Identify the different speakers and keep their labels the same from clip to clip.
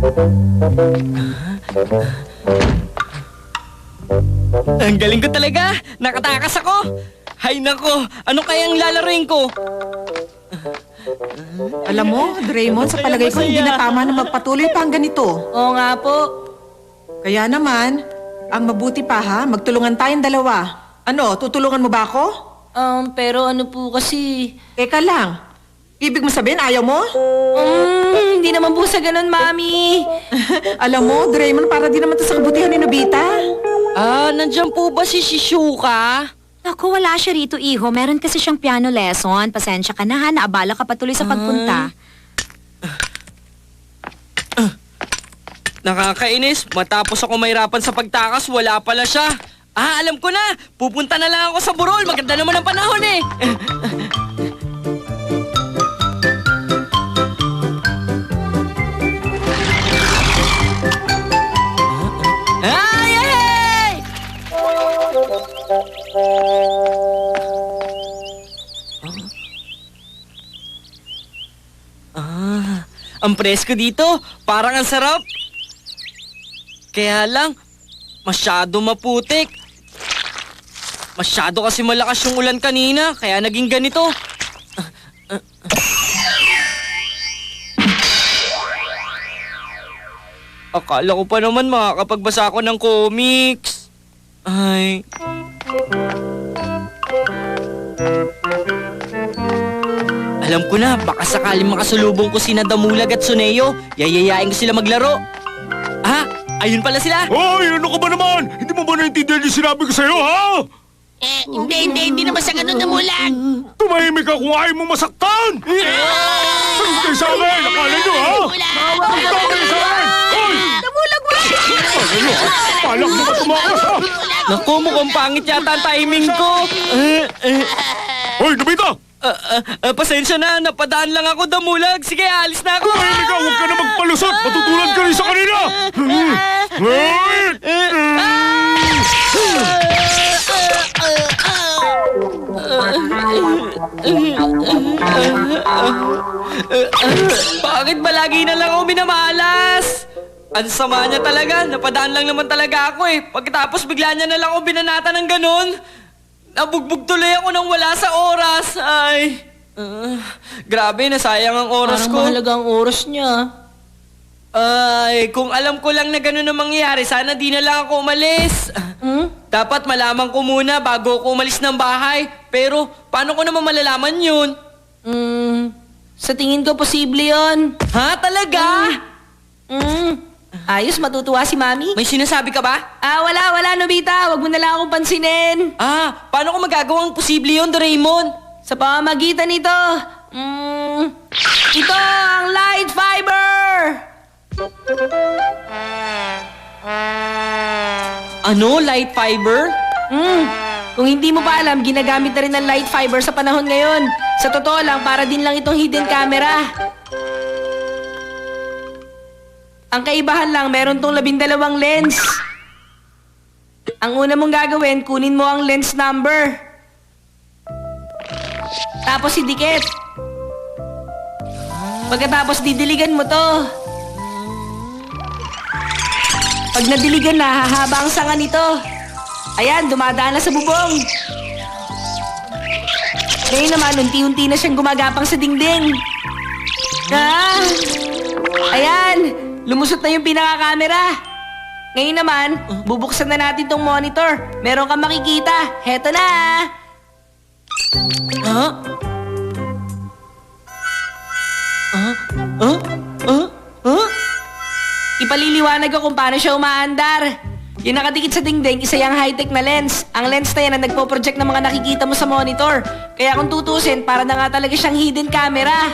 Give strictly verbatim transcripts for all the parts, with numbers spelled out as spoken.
Speaker 1: Ang galing ko talaga! Nakatakas ako! Hay nako! Ano kayang lalaroin ko?
Speaker 2: Alam mo, Draymond, sa palagay ko hindi na tama na magpatuloy pa ang ganito.
Speaker 3: Oo nga po.
Speaker 2: Kaya naman, ang mabuti pa ha, magtulungan tayong dalawa. Ano, tutulungan mo ba ako?
Speaker 3: Um, pero ano po kasi...
Speaker 2: Teka lang, ibig mo sabihin ayaw mo?
Speaker 3: Um, hindi naman po sa ganun, Mami.
Speaker 2: Alam mo, Draymond, para di naman to sa kabutihan ni Nobita.
Speaker 1: Ah, nandyan po ba si Shizuka?
Speaker 4: Naku, wala siya rito, iho. Meron kasi siyang piano lesson. Pasensya ka na ha, naabala ka patuloy sa pagpunta.
Speaker 1: Nakakainis. Matapos ako mahirapan sa pagtakas, wala pala siya. Ah, alam ko na. Pupunta na lang ako sa burol. Maganda naman ang panahon eh. Ay, ay, ay! Ah, ang presko dito. Parang ang sarap. Kaya lang, masyado maputik. Masyado kasi malakas yung ulan kanina, kaya naging ganito. Akala ko pa naman makakapagbasa ako ng comics. Ay... Alam ko na, baka sakaling makasulubong ko sina Damulag at Suneo, yayayain ko sila maglaro. Ah, ayun pala sila.
Speaker 5: Hoy, ano ka ba naman? Hindi mo ba naintindihan yung sinabi ko sa'yo, ha?
Speaker 6: Eh, hindi, hindi, hindi naman sa ganun namulan.
Speaker 5: Tumahimik ka kung ayaw mo masaktan! Sagot kayo sa akin! Akala nyo, ha? Sagot kayo sa akin! Hoy!
Speaker 6: Namulag mo!
Speaker 5: Ano nyo, ha? Palak mo ka tumakas, ha?
Speaker 1: Naku, mukhang pangit yata ang timing ko. Uh, uh,
Speaker 5: Hoy, Nobita!
Speaker 1: uh, uh, uh, pasensya na, napadaan lang ako, Damulag. Sige, alis na ako.
Speaker 5: Tumahimik ka! Huwag ka na magpalusot! Matutulad ka rin sa kanila! Hoy!
Speaker 1: Bakit ba lagi na lang ako minamalas? Ang sama niya talaga. Napadaan lang naman talaga ako eh. Pagkatapos bigla niya na lang ako binanata ng ganun. Nabugbog tuloy ako nang wala sa oras. Ay, uh, grabe, nasayang ang oras
Speaker 3: Parang
Speaker 1: ko.
Speaker 3: mahalaga ang oras niya.
Speaker 1: Ay, kung alam ko lang na ganun ang mangyayari, sana di na lang ako umalis.
Speaker 3: Hmm?
Speaker 1: Dapat malaman ko muna bago ako umalis ng bahay. Pero, paano ko naman malalaman yun?
Speaker 3: Hmm, sa tingin ko posible yon.
Speaker 1: Ha? Talaga?
Speaker 3: Hmm, ayos, matutuwa si Mami.
Speaker 1: May sinasabi ka ba?
Speaker 3: Ah, wala, wala, Nobita. Huwag mo na lang akong pansinin.
Speaker 1: Ah, paano ko magagawang posible yun, Doraemon?
Speaker 3: Sa pamamagitan nito, hmm, ito ang light fiber!
Speaker 1: Ano? Light fiber?
Speaker 3: Hmm, kung hindi mo pa alam, ginagamit na rin ng light fiber sa panahon ngayon. Sa totoo lang, para din lang itong hidden camera. Ang kaibahan lang, meron tong labindalawang lens. Ang una mong gagawin, kunin mo ang lens number. Tapos idikit. Pagkatapos didiligan mo to. Pag nadiligan na, hahaba ang sanga nito. Ayan, dumadaan na sa bubong. Ngayon naman, unti-unti na siyang gumagapang sa dingding. Ah! Ayan, lumusot na yung pinaka-camera. Ngayon naman, bubuksan na natin tong monitor. Meron kang makikita. Heto na!
Speaker 1: Ha? Ah? Ah? Ah? Ah?
Speaker 3: Ipaliliwanag ko kung paano siya umaandar. Yung nakadikit sa dingding, isa yung high-tech na lens. Ang lens na yan ang nagpo-project ng mga nakikita mo sa monitor. Kaya kung tutusin, para na nga talaga siyang hidden camera.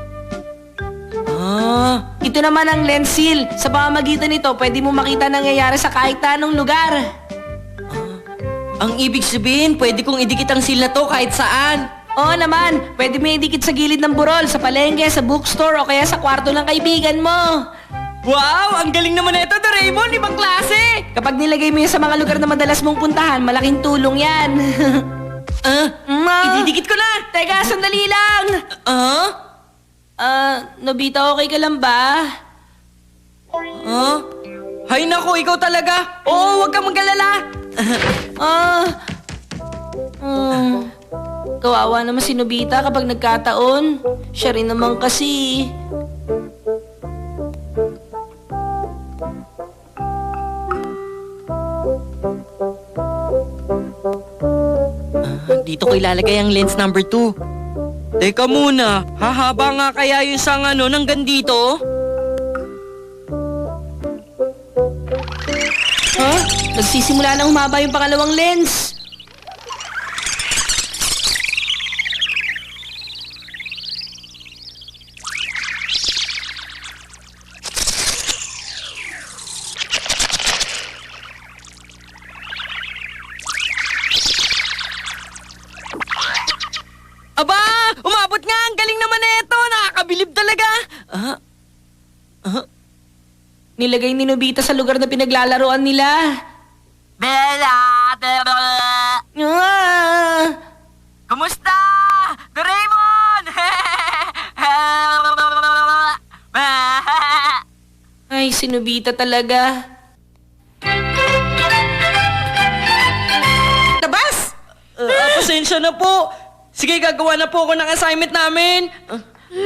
Speaker 1: Ah?
Speaker 3: Ito naman ang lens seal. Sa pamamagitan nito, pwede mo makita nangyayari sa kahit anong lugar.
Speaker 1: Ang ibig sabihin, pwede kong idikit ang seal na to kahit saan.
Speaker 3: Oo naman, pwede mo idikit sa gilid ng burol, sa palengke, sa bookstore, o kaya sa kwarto ng kaibigan mo.
Speaker 1: Wow! Ang galing naman na ito, Doraemon! Ibang klase!
Speaker 3: Kapag nilagay mo yan sa mga lugar na madalas mong puntahan, malaking tulong yan.
Speaker 1: Ah?
Speaker 3: Ma!
Speaker 1: Ididikit ko na!
Speaker 3: Teka, sandali lang!
Speaker 1: Ah?
Speaker 3: Ah, Nobita, okay ka lang ba?
Speaker 1: Huh? Hay nako, ikaw talaga. Oo, huwag kang mag-alala.
Speaker 3: Ah. Hmm. Kawawa naman si Nobita kapag nagkataon. Siya rin naman kasi.
Speaker 1: Dito ko ilalagay ang lens number two. Teka muna, hahaba nga kaya yung sang ano hanggang dito?
Speaker 3: Ha? Nagsisimula na humaba yung pangalawang lens.
Speaker 1: Aba! Umabot nga! Ang galing naman nito! Nakakabilib talaga! Ah? Ah?
Speaker 3: Nilagay ni Nobita sa lugar na pinaglalaroan nila.
Speaker 1: Bella!
Speaker 3: Ah!
Speaker 1: Kumusta? Doraemon!
Speaker 3: Ay, si Nobita talaga.
Speaker 2: Tabas!
Speaker 1: Ah, pasensya na po. Sige, gagawa na po ako ng assignment namin. Ah,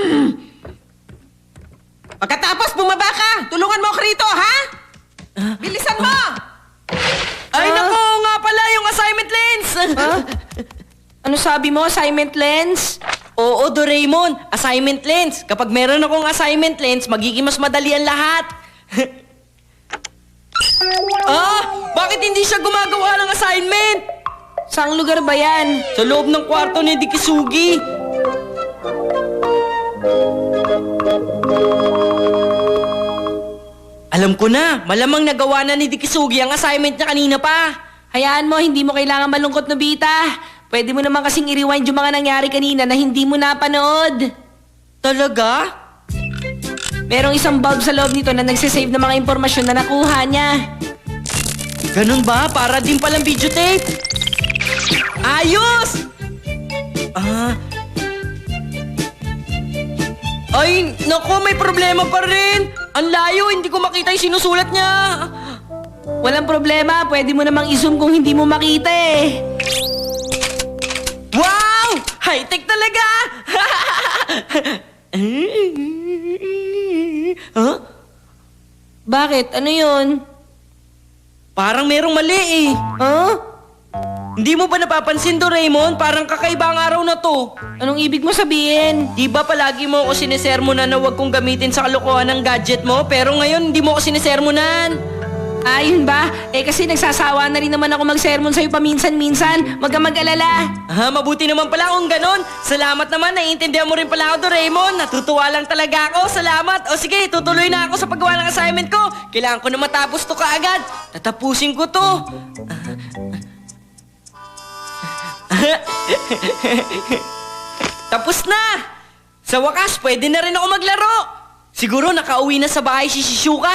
Speaker 2: Pagkatapos bumaba ka, tulungan mo ako rito, ha? Bilisan mo!
Speaker 1: Ay, nako nga pala yung assignment lens!
Speaker 3: Ah? Ano sabi mo, assignment lens?
Speaker 1: Oo, Doraemon, assignment lens. Kapag meron akong assignment lens, magiging mas madali ang lahat. Ah! Bakit hindi siya gumagawa ng assignment?
Speaker 3: Saang lugar ba yan?
Speaker 1: Sa loob ng kwarto ni Dikisugi. Alam ko na, malamang nagawa na ni Dikisugi ang assignment niya kanina pa.
Speaker 3: Hayaan mo, hindi mo kailangan malungkot, Nobita. Pwede mo naman kasing i-rewind yung mga nangyari kanina na hindi mo napanood.
Speaker 1: Talaga?
Speaker 3: Merong isang bulb sa loob nito na nagsisave ng mga impormasyon na nakuha niya.
Speaker 1: Ganun ba? Para din palang videotape? Ayos! Ah... Ay, naku, may problema pa rin. Ang layo, hindi ko makita yung sinusulat niya.
Speaker 3: Walang problema, pwede mo namang i-zoom kung hindi mo makita eh.
Speaker 1: Wow! High-tech talaga! huh?
Speaker 3: Bakit? Ano yun?
Speaker 1: Parang merong mali eh.
Speaker 3: Huh?
Speaker 1: Hindi mo ba napapansin, Doraemon? Parang kakaiba ang araw na to.
Speaker 3: Anong ibig mo sabihin?
Speaker 1: Di ba palagi mo ako sinisermonan na huwag kong gamitin sa kalokohan ng gadget mo? Pero ngayon, hindi mo ako sinisermonan.
Speaker 3: Ah, yun ba? Eh kasi nagsasawa na rin naman ako mag-sermon sa'yo paminsan-minsan. Huwag ka mag-alala.
Speaker 1: Ah, mabuti naman pala kung ganon. Salamat naman, naiintindihan mo rin pala ako, Doraemon. Natutuwa lang talaga ako. Salamat. O sige, tutuloy na ako sa paggawa ng assignment ko. Kailangan ko na matapos to kaagad. Tatapusin ko to. Tapos na! Sa wakas, pwede na rin ako maglaro. Siguro nakauwi na sa bahay si Shizuka.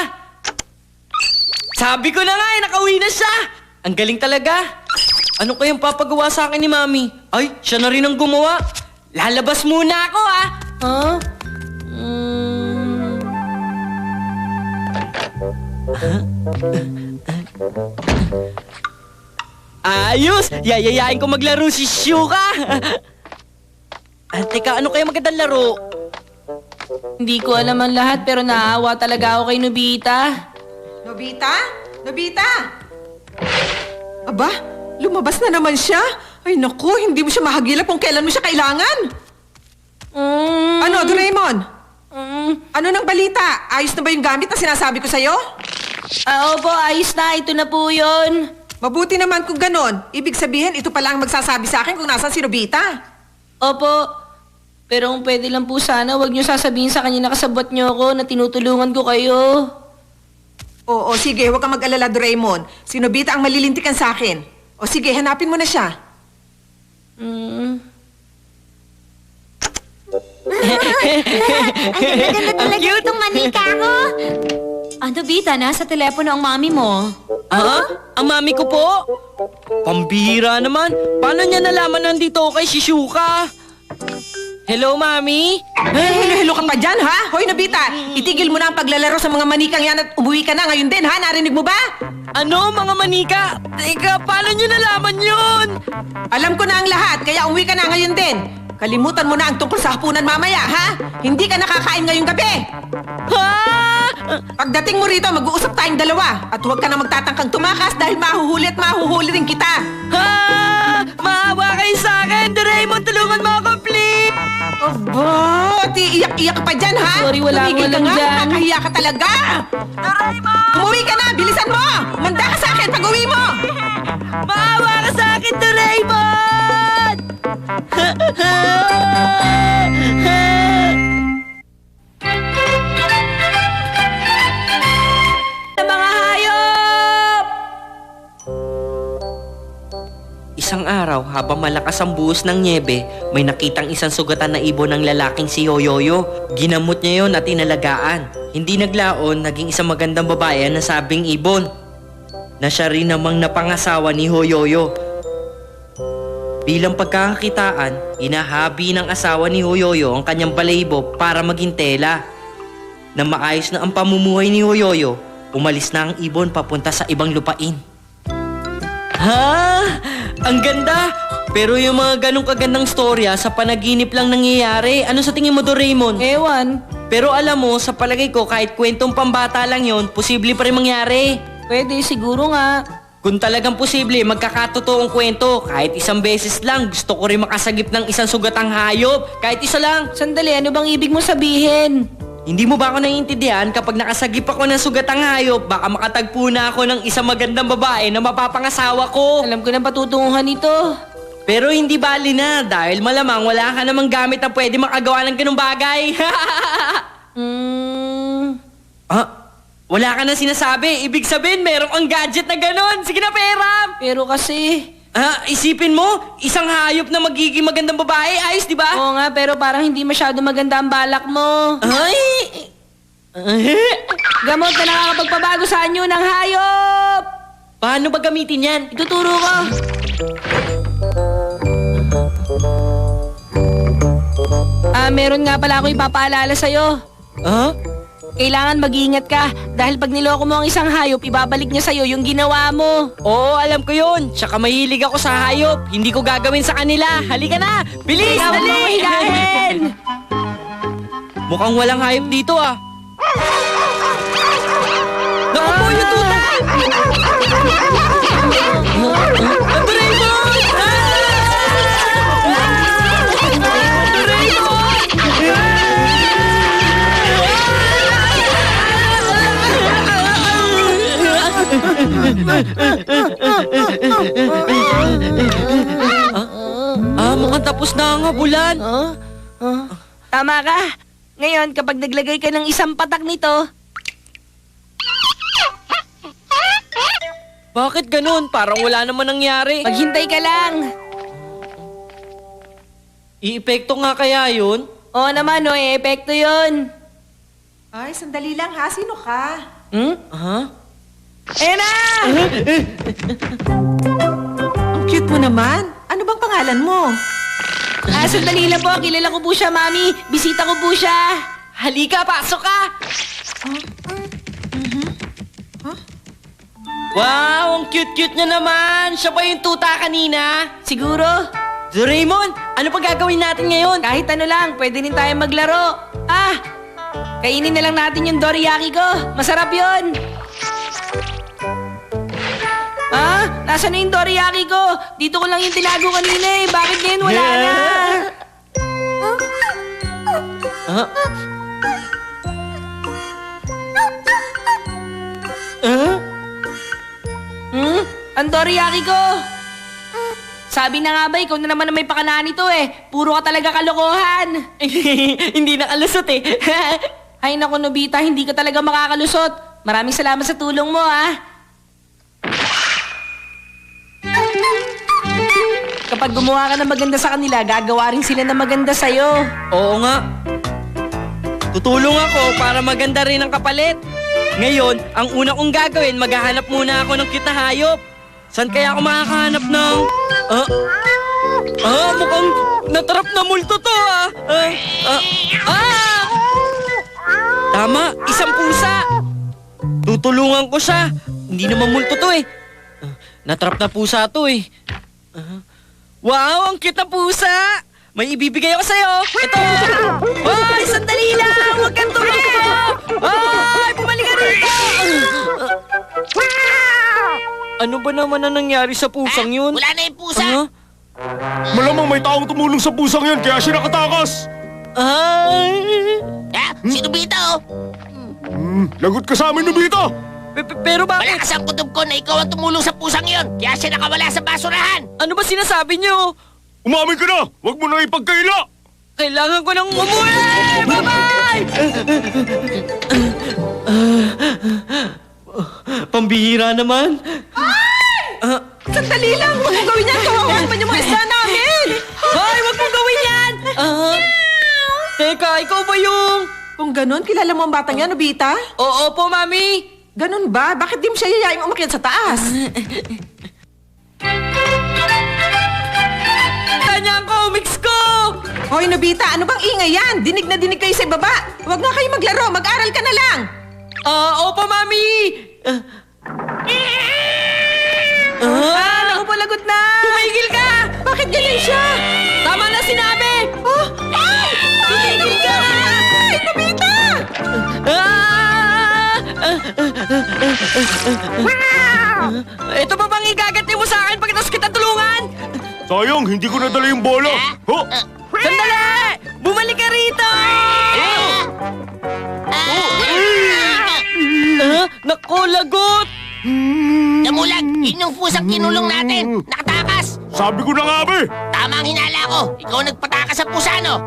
Speaker 1: Sabi ko na nga eh, nakauwi na siya. Ang galing talaga. Ano kayang papagawa sa akin ni Mami? Ay, siya na rin ang gumawa. Lalabas muna ako ah.
Speaker 3: Huh? Mm.
Speaker 1: Ayos! Yayayain ko maglaro si Shizuka. Ah, teka, ano kaya magandang laro?
Speaker 3: Hindi ko alam ang lahat pero naawa talaga ako kay Nobita.
Speaker 2: Nobita? Nobita? Aba, lumabas na naman siya. Ay naku, hindi mo siya mahagilap kung kailan mo siya kailangan.
Speaker 3: Mm.
Speaker 2: Ano, Doraemon?
Speaker 3: Mm.
Speaker 2: Ano nang balita? Ayos na ba yung gamit na sinasabi ko sa'yo?
Speaker 3: Ah, opo, ayos na. Ito na po yun.
Speaker 2: Mabuti naman kung ganon. Ibig sabihin, ito pala ang magsasabi sa akin kung nasan si Nobita.
Speaker 3: Opo. Pero kung pwede lang po sana, huwag niyo sasabihin sa kanya na kasabot niyo ako na tinutulungan ko kayo.
Speaker 2: Oo, sige, huwag kang mag-alala, Doraemon. Si Nobita ang malilintikan sa akin. O sige, hanapin mo na siya.
Speaker 3: Mm.
Speaker 4: Ang talaga itong manika ko. Ano, Bita? Nasa telepono ang mami mo.
Speaker 1: Ah? Ang mami ko po? Pambihira naman. Paano niya nalaman nandito ako kay Shizuka? Hello, Mami?
Speaker 2: Eh, hello-hello ka pa dyan, ha? Hoy, Nobita, itigil mo na ang paglalaro sa mga manikang yan at umuwi ka na ngayon din, ha? Narinig mo ba?
Speaker 1: Ano, mga manika? Teka, paano nyo nalaman yun?
Speaker 2: Alam ko na ang lahat, kaya umuwi ka na ngayon din. Kalimutan mo na ang tungkol sa hapunan mamaya, ha? Hindi ka nakakain ngayong gabi.
Speaker 1: Ha?
Speaker 2: Pagdating mo rito, mag-uusap tayong dalawa. At huwag ka na magtatangkang tumakas dahil mahuhuli at mahuhuli rin kita.
Speaker 1: Ha? Maawa kayo sa akin! Doraemon, tulungan mo ako, please!
Speaker 2: Aba, di iyak-iyak ka pa dyan, ha?
Speaker 3: Sorry, wala
Speaker 2: Tumigil
Speaker 3: akong
Speaker 2: ka
Speaker 3: alam
Speaker 2: nga,
Speaker 3: dyan.
Speaker 2: nakakahiya ka talaga.
Speaker 1: Doraemon!
Speaker 2: Umuwi ka na, bilisan mo! Manda ka sa akin pag uwi mo!
Speaker 1: Maawa ka sa akin, Doraemon!
Speaker 3: Mga hayop!
Speaker 1: Isang araw, habang malakas ang buhos ng nyebe, may nakitang isang sugatan na ibon ng lalaking si Yoyoyo. Ginamot niya yon at inalagaan. Hindi naglaon, naging isang magandang babae ang nasabing ibon, na siya rin namang napangasawa ni Yoyoyo. Bilang pagkakakitaan, inahabi ng asawa ni Yoyoyo ang kanyang balahibo para maging tela. Na maayos na ang pamumuhay ni Yoyoyo, umalis na ang ibon papunta sa ibang lupain. Ha? Ang ganda! Pero yung mga ganong kagandang storya sa panaginip lang nangyayari. Ano sa tingin mo, Doraemon?
Speaker 3: Ewan.
Speaker 1: Pero alam mo, sa palagay ko, kahit kwentong pambata lang yon, posible pa rin mangyari.
Speaker 3: Pwede, siguro nga.
Speaker 1: Kung talagang posible, magkakatotoong kwento. Kahit isang beses lang, gusto ko rin makasagip ng isang sugatang hayop. Kahit isa lang.
Speaker 3: Sandali, ano bang ibig mo sabihin?
Speaker 1: Hindi mo ba ako naiintindihan kapag nakasagip ako ng sugatang hayop, baka makatagpo na ako ng isang magandang babae na mapapangasawa ko.
Speaker 3: Alam ko na patutunguhan ito.
Speaker 1: Pero hindi bali na dahil malamang wala ka namang gamit na pwede makagawa ng ganung bagay.
Speaker 3: Hmm...
Speaker 1: Ah, wala ka na sinasabi. Ibig sabihin, merong ang gadget na ganon. Sige na, Peram!
Speaker 3: Pero kasi...
Speaker 1: Ah, isipin mo, isang hayop na magiging magandang babae. Ayos, di ba?
Speaker 3: Oo nga, pero parang hindi masyado maganda ang balak mo.
Speaker 1: Ay!
Speaker 3: Gamot na nakakapagpabago sa anyo ng hayop!
Speaker 1: Paano ba gamitin yan?
Speaker 3: Ituturo ko. Ah, meron nga pala ako ipapaalala sa'yo.
Speaker 1: Ah?
Speaker 3: Kailangan mag-iingat ka dahil pag niloko mo ang isang hayop, ibabalik niya sa'yo yung ginawa mo.
Speaker 1: Oo, alam ko yun. Tsaka mahilig ako sa hayop. Hindi ko gagawin sa kanila. Halika na! Bilis!
Speaker 3: Ikaw ang
Speaker 1: Dali!
Speaker 3: mahigahin!
Speaker 1: Mukhang walang hayop dito ah. Naku po yung tuta! Ang Doraemon! Ah, mukhang tapos na ang habulan.
Speaker 3: Oh? Oh? Tama ka. Ngayon, kapag naglagay ka ng isang patak nito,
Speaker 1: Bakit ganun? Parang wala naman nangyari.
Speaker 3: maghintay ka lang.
Speaker 1: I-epekto nga kaya yun?
Speaker 3: Oo naman, no, eh, epekto yun.
Speaker 2: Ay, sandali lang, ha? Sino ka?
Speaker 3: Hmm?
Speaker 1: Ha?
Speaker 3: Ayan na!
Speaker 2: Ang cute mo naman. Ano bang pangalan mo?
Speaker 3: Ah, sandali lang po. Kilala ko po siya, Mami. Bisita ko po siya.
Speaker 1: Halika, pasok ka! Wow, ang cute-cute niya naman! Siya ba yung tuta kanina?
Speaker 3: Siguro.
Speaker 1: Doraemon, ano pa gagawin natin ngayon?
Speaker 3: Kahit ano lang, pwede rin tayo maglaro. Ah! Kainin na lang natin yung dorayaki ko. Masarap yun. Ah? Nasaan na yung dorayaki ko? Dito ko lang yung tinago kanina eh. Bakit ngayon wala na?
Speaker 1: Ah? Ah?
Speaker 3: Hmm? Ang dorayaki ko. Sabi na nga ba, ikaw na naman na may pakanaan nito eh. Puro ka talaga kalokohan.
Speaker 1: Hindi nakalusot eh.
Speaker 3: Ay naku, Nobita, hindi ka talaga makakalusot. Maraming salamat sa tulong mo, ah. Kapag gumawa ka ng maganda sa kanila, gagawa rin sila ng maganda sa'yo.
Speaker 1: Oo nga. Tutulong ako para maganda rin ang kapalit. Ngayon, ang una kong gagawin, maghahanap muna ako ng cute na hayop. Saan kaya ako makakahanap ng... Ah? Ah, mukhang natrap na multo to ah. Ah, Tama, isang pusa. Tutulungan ko siya. Hindi naman multo to eh. Ah, natrap na pusa to eh. Ah, wow, ang cute na pusa. May ibibigay ako sa'yo. Ito. Ay, sandali lang. Huwag kang tumayo. Ay, bumalik ka rito. Ano ba naman ang nangyari sa pusang yun?
Speaker 6: Wala na yung pusa.
Speaker 1: Ah?
Speaker 5: Malamang may taong tumulong sa pusang yan, kaya siya nakatakas.
Speaker 1: Ay.
Speaker 6: Ha? Si Nobita, oh.
Speaker 5: Hmm, lagot ka sa amin, Nobita.
Speaker 1: Pe- pe- Pero bakit?
Speaker 6: Malakas ang kutob ko na ikaw ang tumulong sa pusang yon. Kaya siya nakawala sa basurahan.
Speaker 1: Ano ba sinasabi niyo?
Speaker 5: Umamin ka na! Huwag mo na ipagkaila!
Speaker 1: Kailangan ko nang umuwi! Bye-bye! Pambihira naman. Ah,
Speaker 2: Sandali lang! Huwag mong gawin yan! Kawawan pa yung mga isda namin!
Speaker 1: Hoy, wag mong gawin yan! Ah, teka, ikaw ba yung...
Speaker 2: Kung ganun, kilala mo ang batang yan, Nobita?
Speaker 1: Oo po, Mami.
Speaker 2: Ganun ba? Bakit di mo siya yayaing umakyat sa taas?
Speaker 1: Kanya ko, mix ko!
Speaker 2: Hoy, Nobita, ano bang ingay yan? Dinig na dinig kayo sa baba. Huwag nga kayo maglaro, mag-aral ka na lang.
Speaker 1: Ah, opo, Mami! Ah,
Speaker 3: Ah, naku po, lagot na!
Speaker 1: tumigil ka!
Speaker 2: Bakit ganyan siya?
Speaker 1: Tama na sinabi!
Speaker 2: Oh! Ay! Tumigil ka! Ay, Nobita!
Speaker 1: Ah! Ito ba bang igaganti mo sa akin pagkatapos kita tulungan?
Speaker 5: Sayang, hindi ko nadala yung bola. Ho!
Speaker 1: Sandali! Bumalik ka rito! Ah, naku, lagot!
Speaker 6: Damulag, yun yung pusang kinulong natin. Nakatakas.
Speaker 5: Sabi ko na nga, be!
Speaker 6: Tama ang hinala ko. Ikaw nagpatakas sa pusa, no?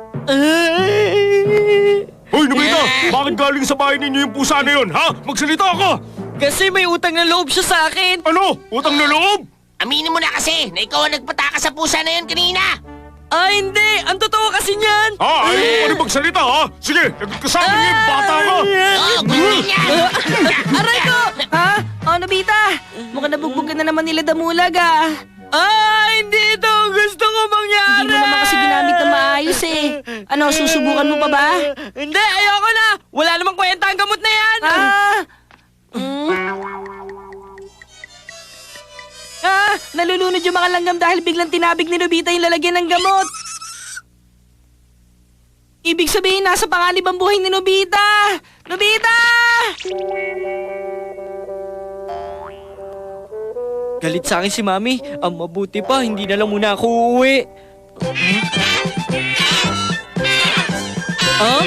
Speaker 5: Hoy, Nobita! Bakit galing sa bahay ninyo yung pusa na yun, ha? Magsalita ka!
Speaker 1: Kasi may utang na loob siya sa akin.
Speaker 5: Ano? Utang na loob?
Speaker 6: Aminin mo na kasi na ikaw ang nagpatakas sa pusa na yun kanina.
Speaker 1: Ah, hindi! Ang totoo kasi niyan!
Speaker 5: Ha? Ayaw mo pa rin magsalita, ha? Sige, lagot ka sa amin, eh, bata ka!
Speaker 6: Oo, gusto niya.
Speaker 1: Aray ko!
Speaker 3: Ha? Oh, Nobita! Mukhang nabugbog ka na naman nila Damulag, ah.
Speaker 1: Ah, hindi ito ang gusto ko mangyari!
Speaker 3: Hindi mo naman kasi ginamit na maayos, eh. Ano, susubukan mo pa ba?
Speaker 1: Hindi, ayoko na! Wala namang kwenta ang gamot na yan!
Speaker 3: Ah! Mm. Ah, nalulunod yung mga langgam dahil biglang tinabig ni Nobita yung lalagyan ng gamot. Ibig sabihin, nasa panganib ang buhay ni Nobita! Nobita!
Speaker 1: Galit sa akin si Mami. Ang mabuti pa, hindi na lang muna ako uuwi. Huh?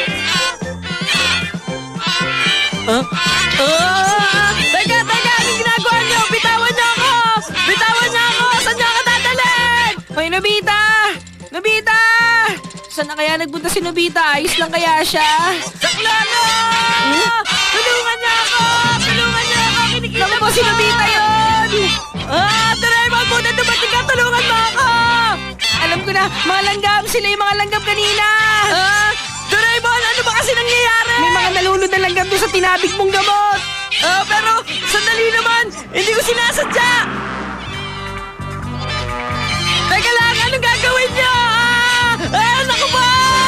Speaker 1: Huh? Ah! Teka, teka! Anong ginagawa niyo? Bitawan niyo ako! Bitawan niyo ako! Saan niyo ako dadalhin?
Speaker 3: Hoy, Nobita! Nobita! Saan na kaya nagpunta si Nobita? Ayos lang kaya siya?
Speaker 1: Saklano! Tulungan niyo ako! Tulungan niyo ako! Kinikita
Speaker 3: Naku po, si Nobita yun!
Speaker 1: Ah! Doraemon, muna dumating ka! Tulungan mo ako!
Speaker 3: Alam ko na, mga langgam! Sila yung mga langgam kanina!
Speaker 1: Ah! Doraemon, ano ba kasi nangyayari?
Speaker 3: May mga nalunod na langgam doon sa tinabig mong gamot!
Speaker 1: Ah, pero sandali naman! Hindi ko sinasadya! Teka lang, anong gagawin niyo? Ah! Ah, naku po!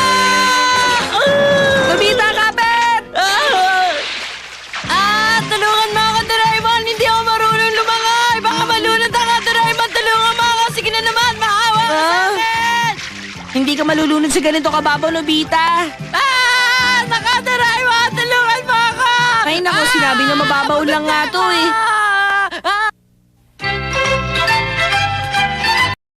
Speaker 1: Ah!
Speaker 3: Nobita, kapit!
Speaker 1: Ah! Ah, tulungan mo ako, Doraemon! Hindi ako marunong lumangoy! Baka malunod ako, Doraemon! Tulungan mo ako! Sige na naman, maawa ka sa
Speaker 3: Ah?
Speaker 1: akin!
Speaker 3: Hindi ka malulunod sa ganito kababaw, Nobita!
Speaker 1: Ah! Naka, Doraemon! Tulungan mo ako!
Speaker 3: Ay nako, sinabi niya mababaw lang nga to eh.